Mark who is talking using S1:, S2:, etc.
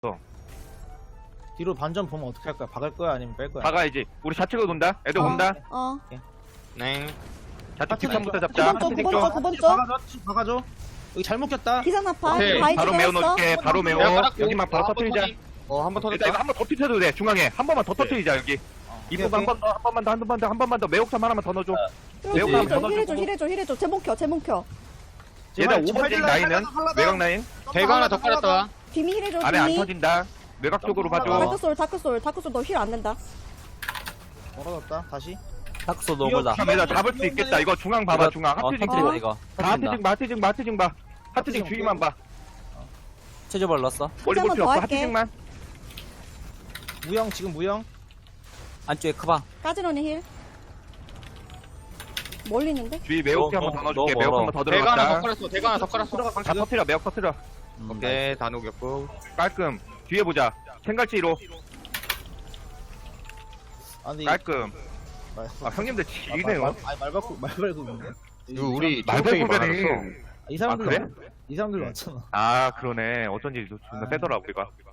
S1: 뒤로 반전 보면 어떻게 할 거야? 박을 거야 아니면 뺄 거야?
S2: 박아야지. 우리 좌측으로 돈다. 애들 온다.
S3: 네.
S2: 좌측 뒷선부터
S4: 두
S2: 잡자.
S4: 번 쪽, 두
S2: 좌측
S4: 번
S2: 쪽.
S4: 쪽, 두 번 쪽.
S1: 박아줘. 여기 잘못 꼈다.
S4: 기상나파.
S3: 오케이,
S4: 바위
S2: 바로
S4: 쪽에
S2: 메워
S4: 했어.
S2: 넣어줄게. 바로 메워.
S3: 내가 깔았고.
S2: 여기만 바로 터뜨리자.
S3: 한번
S2: 일단 이거 한 번 더 터뜨려도 돼. 중앙에 한 번만 더 터뜨리자 여기. 이 부분 한 번 더, 한 번만 더. 매혹삼 하나만 더 넣어줘. 매혹 하나만 더 넣어줘.
S4: 힐해줘. 제목 켜.
S2: 얘들 5번째 라인은 외곽 라인.
S3: 대가 하나 더 깔았다.
S4: 비미 힐해줘,
S2: 아래 안
S4: 비미.
S2: 터진다. 외곽 쪽으로 봐줘.
S4: 다크솔 너 힐 안 된다.
S1: 멀어졌다. 다시.
S5: 탁소 노블다.
S2: 얘들 잡을 수 있겠다. 이거 중앙 봐봐. 중앙. 하트징
S5: 터뜨린다 이거.
S2: 하트징 봐. 하트징 주위만 봐.
S5: 체조벌 넣었어.
S2: 머리 볼
S4: 한번
S2: 필요
S4: 더
S2: 없어.
S4: 할게.
S2: 하트징만.
S1: 무영 지금 무영.
S5: 안쪽에 크방.
S4: 까지런의 힐. 멀리 있는데?
S2: 주위 매혹 한번 더 넣어줄게.
S5: 너무
S2: 매혹
S5: 멀어.
S2: 한번 더
S3: 대가 하나 더
S2: 들어갔다.
S3: 깔았어. 대가 하나 더 깔았어.
S2: 다 터뜨려. 매혹 터뜨려.
S3: 오케이, 다 녹였고.
S2: 깔끔. 뒤에 보자. 생갈치로.
S1: 아 근데
S2: 깔끔. 아 형님들 지리네요.
S1: 말 걸고 있네.
S3: 이거 우리
S2: 말발굽이
S3: 많았어.
S1: 이 사람들
S2: 아, 그래?
S1: 이 사람들 많잖아.
S2: 아 그러네. 어쩐지 존나 세더라 우리가.